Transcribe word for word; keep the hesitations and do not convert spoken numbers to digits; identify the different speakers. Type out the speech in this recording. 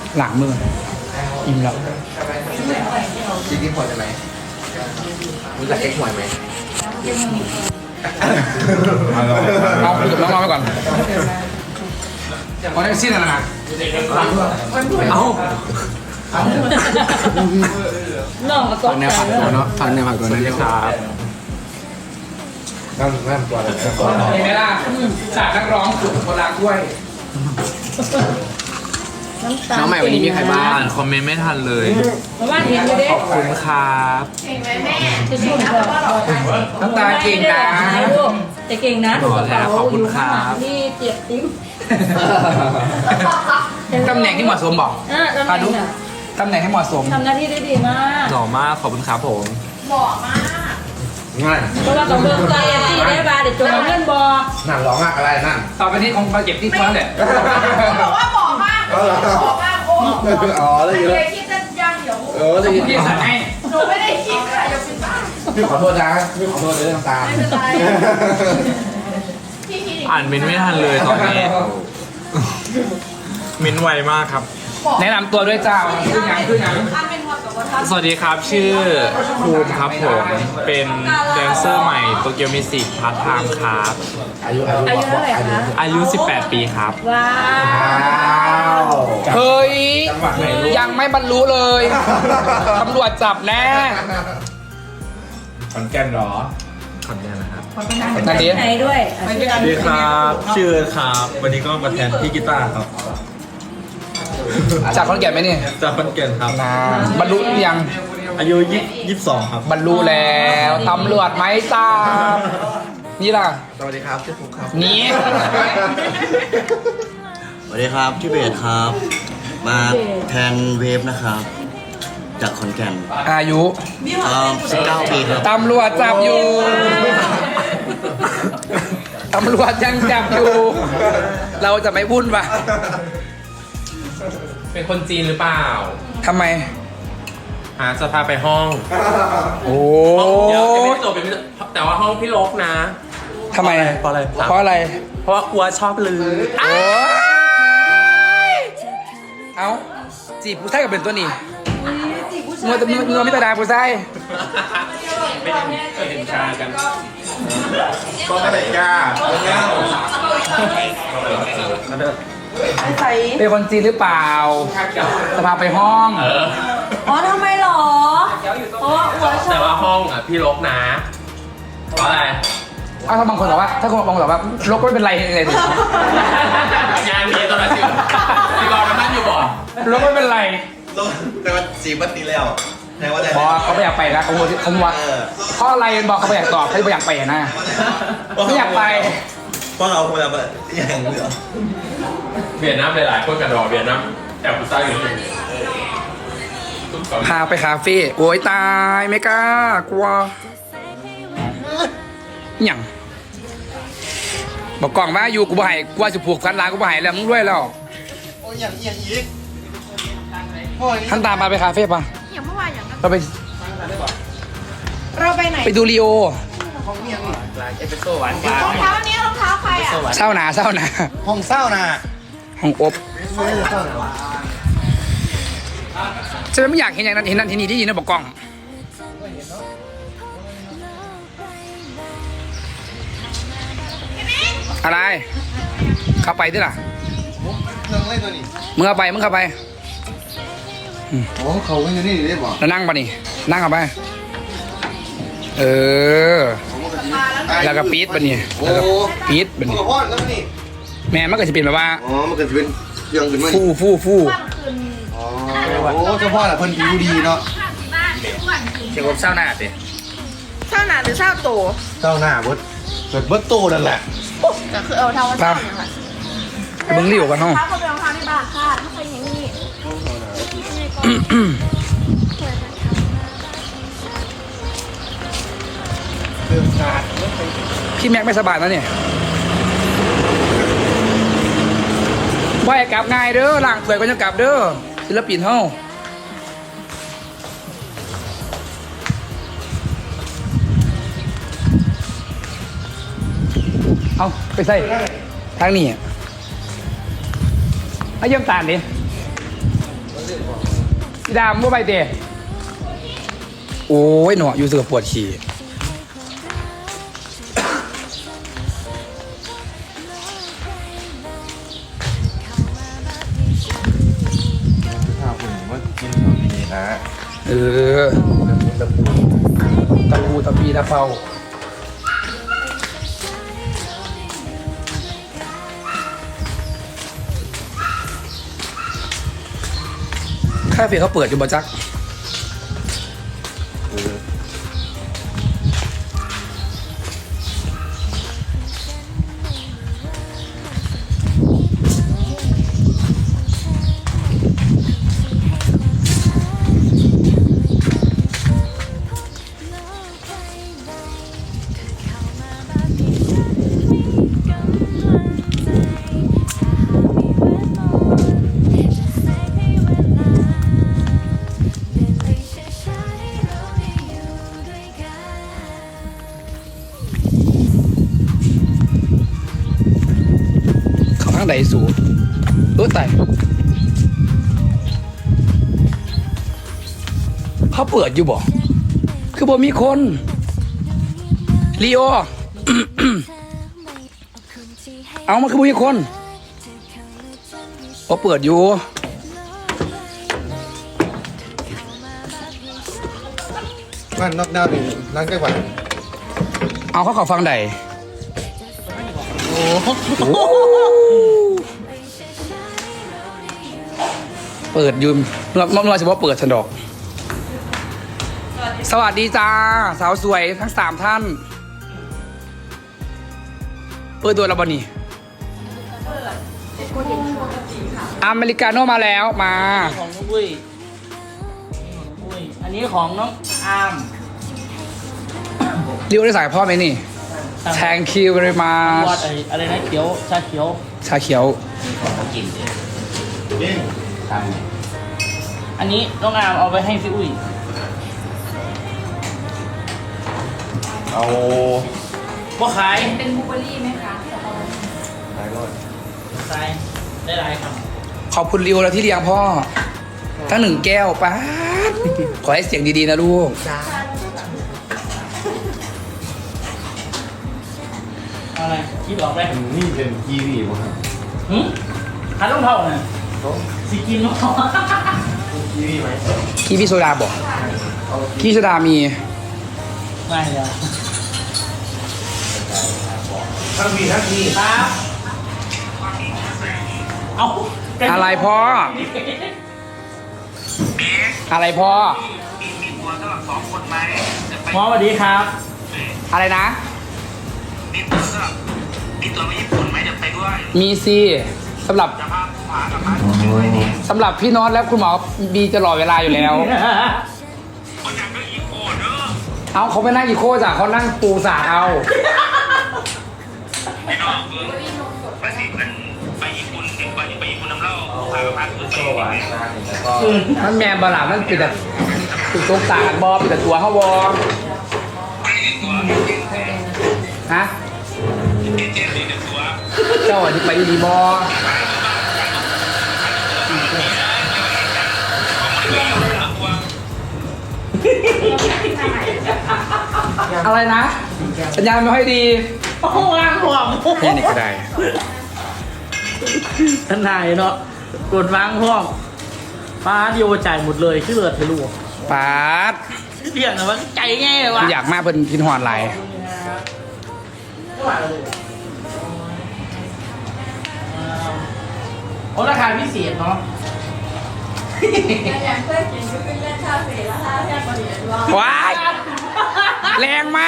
Speaker 1: หลังมืออิ่มแล้ว
Speaker 2: จริงๆพอจะไหมรู้จักเอ็กซ์หวยไหม
Speaker 1: เอาคุยกับน้องๆไปก่อนเอาได้สิ้นแล้วนะเอา
Speaker 3: น้องก็ต
Speaker 1: ฟั
Speaker 3: ก
Speaker 1: งแน
Speaker 3: ใจ
Speaker 1: วผักตัวเนาะฟังแนวผักตัวนั้นครับ
Speaker 2: นั่งนั่งตัวอะไร
Speaker 1: เห็นไหมล่ะจากนักร้องสู่คนรักด้วย
Speaker 3: น้ำตาล
Speaker 1: น้องใหม่วันนี้มีใครบ้าง
Speaker 4: อ่านคอมเมนต์ไม่ทันเลย
Speaker 3: มาบ้านเห็นอยู่เด้
Speaker 4: ขอบคุณครับ
Speaker 3: จะสู้เถอะ
Speaker 1: น้ำตาเก่งนะ
Speaker 3: แต่เก่งนะ
Speaker 4: ขอแท้ขอบคุณครับ
Speaker 3: นี่เจ็บติ้ม
Speaker 1: ตำแหน่งที่เหมาะสมบอก
Speaker 3: อ่ะตำแห
Speaker 1: พา
Speaker 3: น่
Speaker 1: ดุ
Speaker 3: งน่ะ
Speaker 1: ตำแหน่งให้เหมาะสม
Speaker 3: ทำหน้าที่ได้ดีมาก
Speaker 4: หล่อมากขอบคุณครับผม
Speaker 2: ง่าย
Speaker 3: เพราะว่าต้องเบิ่งใจที่ได้บาเดี๋ยวจงเอาเงินบอก
Speaker 2: นั่นร้องมากอะไรนั่น
Speaker 1: ต่อไปนี้คงมาเก็บที่ฟ้าแหละ
Speaker 5: บอกว่าบอกมากบอกมากโอ้
Speaker 2: อ๋อได้ยิน
Speaker 5: เค
Speaker 2: แล้ว
Speaker 5: ยคิดจะยังเดี๋ยว
Speaker 2: เออได้ยิน
Speaker 1: พี่สั่งให้
Speaker 5: หนูไม่ได้คิดค่ะอย่าเป็นบ้า
Speaker 2: พี่ขอโทษนะพี่ขอโทษเลยน้ำตา
Speaker 5: ไม่เป็นไรพี่คิด
Speaker 4: อ่านเมนต์ไม่ทันเลยตอนนี้ เมนต์ไวมากครับ
Speaker 1: แนะนำตัวด้วยจ้าขึ้นยังขึ้นยัง
Speaker 5: ท่านเป็นคนกับว่าท่าน
Speaker 4: สวัสดีครับ ชื่อภูมิครับผม เป็นแดนเซอร์ใหม่โตเกียวมิวสิกพาร์ทไทม์ครับ
Speaker 2: อายุอายุ
Speaker 3: อายุเท่าไหร่คะ
Speaker 4: อายุ สิบแปด ปีครับ
Speaker 3: ว้า
Speaker 2: ว้าว ว
Speaker 1: เฮ้ย
Speaker 2: จังหวัดไหนลูก
Speaker 1: ยังไม่บรรลุเลยตำรวจจับแน่
Speaker 2: ขอนแก่นเหรอ
Speaker 4: ขออนุญาตนะครับ
Speaker 1: นั่นดิ
Speaker 3: ไหนด้วยอ่ะ
Speaker 6: สวัสดีครับชื่อครับ วันนี้ก็มาแทนพี่กีตาร์ครับ
Speaker 1: จากขอนแก่นไหมเนี่ย
Speaker 6: จากขอนแก่นครับ
Speaker 1: นาบรรลุหรือยัง
Speaker 6: อายุยี่สิบสองครับ
Speaker 1: บรรลุแล้วตำรวจไหมจ้านี่ล่ะ
Speaker 2: สวัสดีครับชื่อฟุกครับ
Speaker 1: นี่
Speaker 7: สวัสดีครับชื่อเบสครับ มาแทนเวฟนะครับ จากขอนแก่น
Speaker 1: อายุ
Speaker 7: เอ่อสิบเก้าปีครับ
Speaker 1: ตำรวจจับอยู่ตำรวจยังจับอยู่ เราจะไม่วุ่นปะ
Speaker 4: เป็นคนจีนหรือเปล่า
Speaker 1: ทำไม
Speaker 4: หาจะพาไปห้อง
Speaker 1: โอ้
Speaker 4: เดี๋ยวยังไม่ได้จบเป็นแต่ว่าห้องพี่ลกนะ
Speaker 1: ทำไม
Speaker 4: เพราะอะไร
Speaker 1: เพราะอะไร
Speaker 4: เพราะว่ากลัวชอบลือ
Speaker 1: โอ้ยเอ้าจีบผู้ชายกับเป็นตัวนี้มัวแต่มัวไม่ตาดาผู้ชาย
Speaker 4: ไม่ได้เคยเห็นชากัน
Speaker 2: ก็ไม่ได้กล้า
Speaker 3: ใส่
Speaker 1: เป็นคนจีนหรือเปล่าจะพาไปห้อง
Speaker 4: เออ
Speaker 3: อ๋อทำไมหรอเพราะว่าอัวชอ
Speaker 4: แต่
Speaker 3: บ
Speaker 4: ว่าห้องอ่ะพี่ลกนะ เพราะอะไร
Speaker 1: อ้าวถ้าบางคนบอกว่า ถ้าคนบางคนบอกว่าลกไม่เป็นไรเลยสิ
Speaker 4: งานนี้ตอนนั้นสิพี่กรณ์มันนั่งอยู่บ่
Speaker 1: ลกไม่เป็นไร
Speaker 7: แต่ว่าสีบัตตีแล้วแทนว่าแต่
Speaker 1: เพราะเขาไม่อยากไปนะเขาบอกเขาบอกว่าเพราะอะไรบอกเขาไม่อยากตอบเขาไม่อยากไปอะนะไม่อยากไป
Speaker 7: เพราะเราคงแบบอย่างเหลือ
Speaker 4: เวียดนามหลายๆคนกันรอเวียดนามแอบผู้ชายอยู่นี่ทุกคน
Speaker 1: พาไปคาเฟ่โอ้ยตายไม่กล้ากลัวหยังบอกกล่องว่าอยู่กูบ่ให้กลัวสิผูกกันร้านกูบ่ให้แล้วมึงด้วยแล้ว
Speaker 7: โอ้ยอย่างอย่างอีก
Speaker 1: ท่านตามมาไปคาเฟ่ปะ
Speaker 5: อย่างเมื่อวานอย่างนั้น
Speaker 1: เราไป
Speaker 5: เราไปไหน
Speaker 1: ไปดูลีโอ
Speaker 5: รองเท้านี้รองเท้าใครอ่ะ
Speaker 1: เศร้าหนาเศร้าหนา
Speaker 2: ห้องเศร้าน่ะ
Speaker 1: ห้องอบฉันไม่อยากเห็นอย่างนั้นเห็นนั่นเห็นนี่ที่ยินนะบอกกล้องอะไรเข้าไปด้วยล่ะ
Speaker 2: เครื่องเล่นตัวนี้
Speaker 1: มึงเข้าไปมึงเข้าไป
Speaker 2: โอ้เขาไม่อยู่นี่ได้บอก
Speaker 1: แล้วนั่งปะนี่นั่งเข้าไปเออแล้วก็ปี๊ดปะนี่แล้วก็ปี๊ดปะ
Speaker 2: มึง
Speaker 1: นี่
Speaker 2: กับพ่อแล้วนี่
Speaker 1: แม่มันก็จะเป็นแบบว่า
Speaker 2: อ๋อมันก็จะเป็นเครื่องขึ้นมา
Speaker 1: ฟู่ฟู่ฟู่
Speaker 2: อ๋อโอ้เจ้าพ่อแหละเพิ่นผิวดีเนาะ
Speaker 1: เกี่ยวกับเศร้าหน้าสิ
Speaker 5: เช่าหนาหรือเช่าโต
Speaker 2: เจ้าหน้าเบิดเบิดเบิดโตนั่นแหละ
Speaker 5: ก็คือเอาเท้ามาเช่าอย่างไร
Speaker 1: ไปเบิ้งรีวกันห้อง
Speaker 5: เท้าเขาเป็นรองเท้าที่บ้านค่ะถ้าใครอย่างนี้
Speaker 1: พี่แม็กไม่สบายนะเนี่ยว่ายกลับง่ายเด้อล่างสวยก็จะกลับเด้อศิลปินเฮาเอาไปใส่ทางนี้อะเอาเยี่ยมตาลดิพี่ดามว่าไปเตะโอ้ยหนออยู่เสือปวดขี่
Speaker 2: ข้าวคุณว่ากินของดีนะ
Speaker 1: เออตะปูตะปีตะเปาค่าเฟ่เขาเปิดอยู่บ่จักข้างใดสูงเออแต่เขาเปิดอยู่บ่คือบ่มีคนลีโอ เอามาคือบ่มีคนเขาเปิดอยู่
Speaker 2: บ้านนอกดาวนี่ร้านใกล้กว่า
Speaker 1: เอาเขาเขอฟังใดเปิดยืมเราเราเฉพาะเปิดฉันดอกสวัสดีจ้าสาวสวยทั้งสามท่านเปิดตัวเราบอนี่อเมริกาโน่มาแล้วมา
Speaker 3: ของน้องอุ้ยอุ้ยอันนี้ของน้องอาร์ม
Speaker 1: เรียกได้สายพ่อไหมนี่ thank you very
Speaker 3: วอด
Speaker 1: much
Speaker 3: อะไรนะเขียวชาเขียว
Speaker 1: ชาเขียว
Speaker 3: อันนี้น้องอาร์มเอาไปให้พี่อุ้ย
Speaker 2: เอา
Speaker 3: บ่ขาย
Speaker 5: เป็นบลูเบอร์รี่ไหมคะ
Speaker 2: ไหนรถ
Speaker 3: ขายได้หลายครับ
Speaker 1: ขอบคุณริวแล้วที่เลี้ยงพ่อทั้งหนึ่งแก้วป้าดขอให้เสียงดีๆนะลูก
Speaker 3: เอาอะไรคิดออกไหม
Speaker 2: นี่เป็นกีวีป่ะครับ
Speaker 3: หืมขายรองเท้าน่ะสิกินรองเท้า
Speaker 2: กีวีไหม
Speaker 1: คีพี่โซดาบอกคีพี่โซดามี
Speaker 3: ไม่เลย
Speaker 2: ทั้งมีทั้งมี
Speaker 3: ครับเอา
Speaker 1: อะไรพ่อ อะไรพ่อ
Speaker 3: หมอสวัสดีครับ
Speaker 1: อะไรนะ
Speaker 8: มีตัวก็มีตัวไปญี่ปุ่นไหมจะไปด้วย
Speaker 1: มีสิสำหรับ
Speaker 8: จะพาผู้หากับพาไปด้วยนี่
Speaker 1: สำหรับพี่น็อตและคุณหมอบีจะรอเวลาอยู่แล้ว
Speaker 8: คนอยากก็อีโคเด้อ
Speaker 1: เอาเขาไปนั่งอีโคจ้ะเขานั่งปูสาเอา
Speaker 8: พี่น้องเออไปสิมันไปญี่ปุ่นเห็นไปไปญี่ปุ่นน้ำเล่าพากับพาคือไปญี่ปุ่นเนี่ย
Speaker 1: มันแมนบาลามันปิดแต่ตุกตกตากบอปิดแต่ตัวเขาบอ
Speaker 8: ไม่ได้ตัว
Speaker 1: ฮะ
Speaker 8: เจเจเลยเดี๋ยวตัว
Speaker 1: เจ้าอันนี้ไปดีบออะไรนะ สัญญาณไม่ค่อยดี
Speaker 3: โอ้โหงานห่วง
Speaker 1: แค่นี้ก็ได้
Speaker 3: ท่านนายเนาะกดวางห่วงป้าเดียวจ่ายหมดเลยชื่อเลือดไปลูก
Speaker 1: ปาด
Speaker 3: เรียกนะว่าใจง่ายวะ
Speaker 1: อยากมาเป็นพินหอนไหลาย
Speaker 3: โอ้ราคาพิเศษเนาะ
Speaker 5: อย่างเพื่อนกินก็เป็นเล่นชาเฟ่แล้วถ้าแค่คนอื่นว่า
Speaker 1: ว้าย แรงม